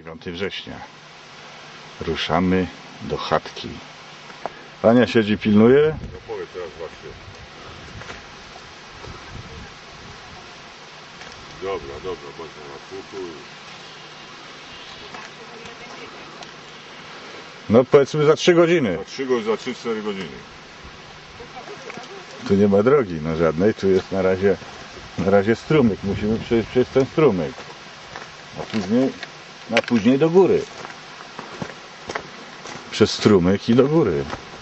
9 września. Ruszamy do chatki. Ania siedzi, pilnuje. No powiedz teraz właśnie. Dobra, bądź na słuchu. No powiedzmy za 3 godziny. Za 3-4 godziny. Tu nie ma drogi, no żadnej. Tu jest na razie strumyk. Musimy przejść przez ten strumyk. A później do góry. Przez strumyk i do góry.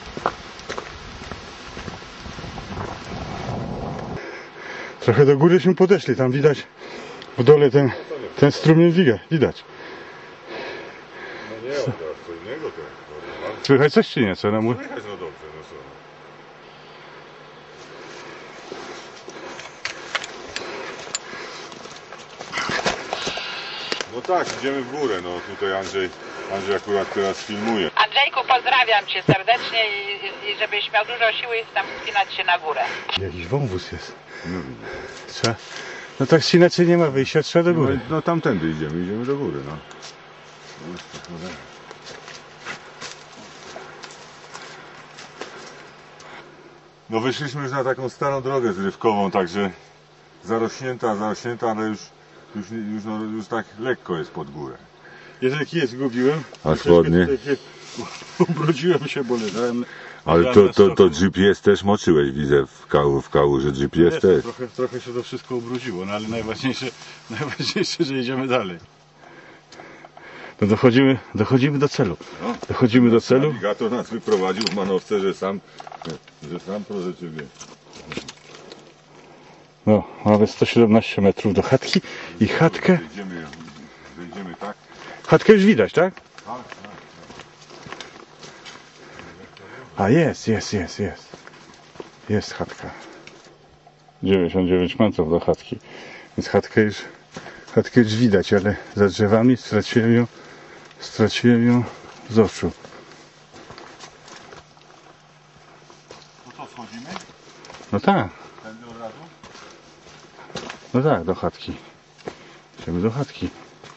Trochę do góryśmy podeszli, tam widać w dole ten strumień widać. No nie, teraz co innego to. Słychać coś czy nie? Co nam... Słychać, no dobrze, no co. No tak, idziemy w górę, no tutaj Andrzej akurat teraz filmuje. Andrzejku, pozdrawiam Cię serdecznie i żebyś miał dużo siły tam wspinać się na górę. Jakiś wąwóz jest. Trzeba... No tak inaczej nie ma wyjścia, trzeba do góry. No tamtędy idziemy do góry, no. No wyszliśmy już na taką starą drogę zrywkową, także zarośnięta, ale już tak lekko jest pod górę. Jeżeli kij zgubiłem, A spodnie? ubrudziłem się, bo leżałem. Ale to GPS też moczyłeś, widzę w kałuży GPS też. Trochę się to wszystko ubrudziło, no ale najważniejsze, że idziemy dalej. No dochodzimy do celu. Dochodzimy do celu. Nawigator nas wyprowadził w manowce, że sam proszę Ciebie. No, mamy 117 metrów do chatki i chatkę. Wejdziemy tak? Chatkę już widać, tak? Tak. A jest. Jest chatka. 99 metrów do chatki. Więc chatkę już widać, ale za drzewami straciłem ją z oczu. No to wchodzimy? No tak. Tędy od razu? No tak, do chatki. Idziemy do chatki.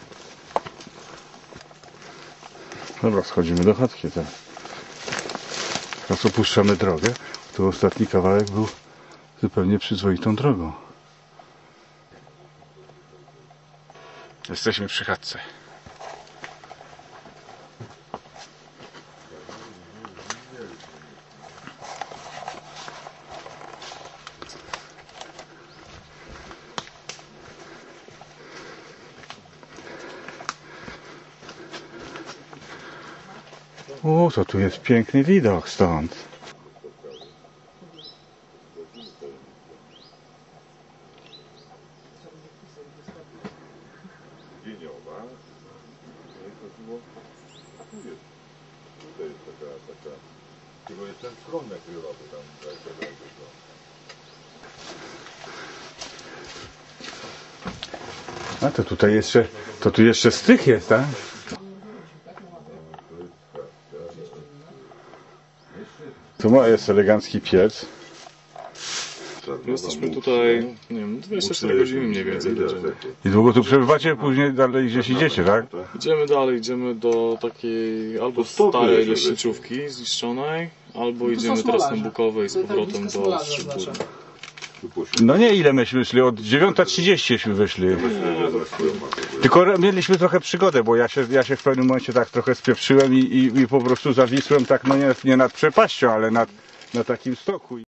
Dobra, schodzimy do chatki teraz opuszczamy drogę. Tu ostatni kawałek był zupełnie przyzwoitą drogą. Jesteśmy przy chatce. O, to tu jest piękny widok stąd. Dzieniowa. A tu jest. Tutaj jest taka. Tylko jest ten schron nakrylowy tam. A to tutaj jeszcze, to tu jeszcze strych jest, tak? Tu jest elegancki piec. Jesteśmy tutaj, nie wiem, 24 godziny mniej więcej. I długo tu przebywacie, później dalej gdzieś idziecie, tak? Idziemy dalej, idziemy do takiej albo starej leśniczówki zniszczonej, albo idziemy teraz na Bukowe i z powrotem do Strzyżbór. No nie, ile myśmy szli? Od 9:30 wyszli. Tylko mieliśmy trochę przygodę, bo ja się w pewnym momencie tak trochę spieprzyłem i po prostu zawisłem tak, no nie nad przepaścią, ale na takim stoku.